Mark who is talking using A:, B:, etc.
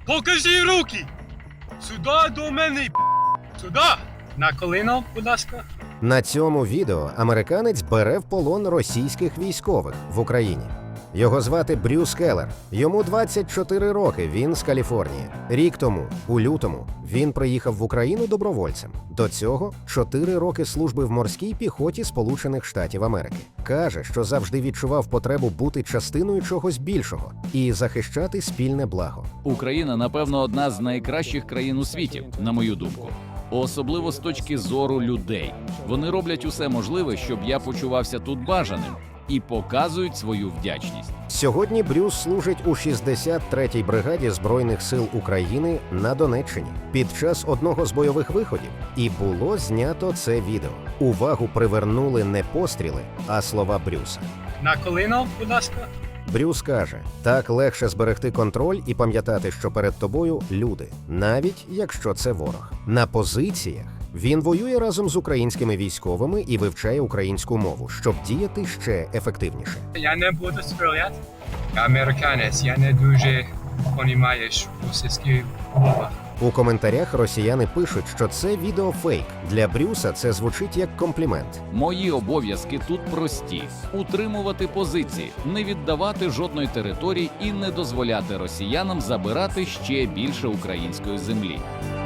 A: Покажи руки! Сюди до мене, сюди! На коліно, будь ласка.
B: На цьому відео американець бере в полон російських військових в Україні. Його звати Брюс Келлер. Йому 24 роки, він з Каліфорнії. Рік тому, у лютому, він приїхав в Україну добровольцем. До цього 4 роки служби в морській піхоті Сполучених Штатів Америки. Каже, що завжди відчував потребу бути частиною чогось більшого і захищати спільне благо.
C: Україна, напевно, одна з найкращих країн у світі, на мою думку. Особливо з точки зору людей. Вони роблять усе можливе, щоб я почувався тут бажаним, і показують свою вдячність.
B: Сьогодні Брюс служить у 63-й бригаді Збройних сил України на Донеччині під час одного з бойових виходів. І було знято це відео. Увагу привернули не постріли, а слова Брюса.
A: На коліно, будь ласка.
B: Брюс каже, так легше зберегти контроль і пам'ятати, що перед тобою люди, навіть якщо це ворог. На позиціях він воює разом з українськими військовими і вивчає українську мову, щоб діяти ще ефективніше.
A: Я не буду стріляти. Я американець, я не дуже розумію російську мову.
B: У коментарях росіяни пишуть, що це відео фейк. Для Брюса це звучить як комплімент.
C: Мої обов'язки тут прості: утримувати позиції, не віддавати жодної території і не дозволяти росіянам забирати ще більше української землі.